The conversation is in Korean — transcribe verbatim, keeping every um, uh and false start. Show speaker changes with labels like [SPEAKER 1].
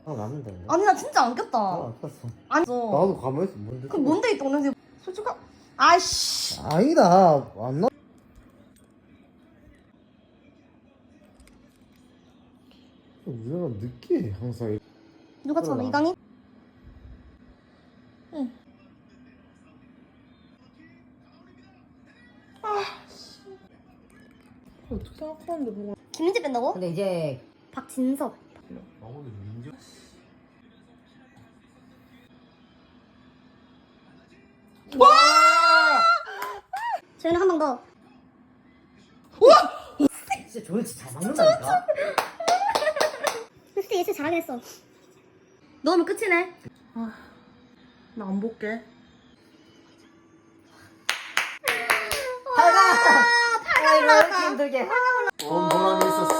[SPEAKER 1] 아 났는데.
[SPEAKER 2] 아니 나 진짜 안 꼈다.
[SPEAKER 1] 아 아팠어.
[SPEAKER 2] 아니
[SPEAKER 1] 나도 가만히 있어. 뭔데?
[SPEAKER 2] 그 뭔데 이 동네 솔직히 아이씨.
[SPEAKER 1] 아니다. 안 나. 우리가 늦게 항상. 이렇게.
[SPEAKER 2] 누가 전화
[SPEAKER 1] 그러나.
[SPEAKER 2] 이강인? 응. 아
[SPEAKER 3] 어떻게 생각하는데 그걸.
[SPEAKER 2] 김민재 뺀다고?
[SPEAKER 1] 근데 이제
[SPEAKER 2] 박진섭.
[SPEAKER 1] 아 오늘 민규. 와!
[SPEAKER 2] 저희는 한 방 더.
[SPEAKER 1] 진짜 조일치 잘 맞는다니까.
[SPEAKER 2] 솔직히 예술 잘하긴 했어. 넣으면 끝이네.
[SPEAKER 3] 아, 나 안 볼게.
[SPEAKER 1] 팔가! 팔가 올라왔다. 힘들게. 어, 보람이 있었어.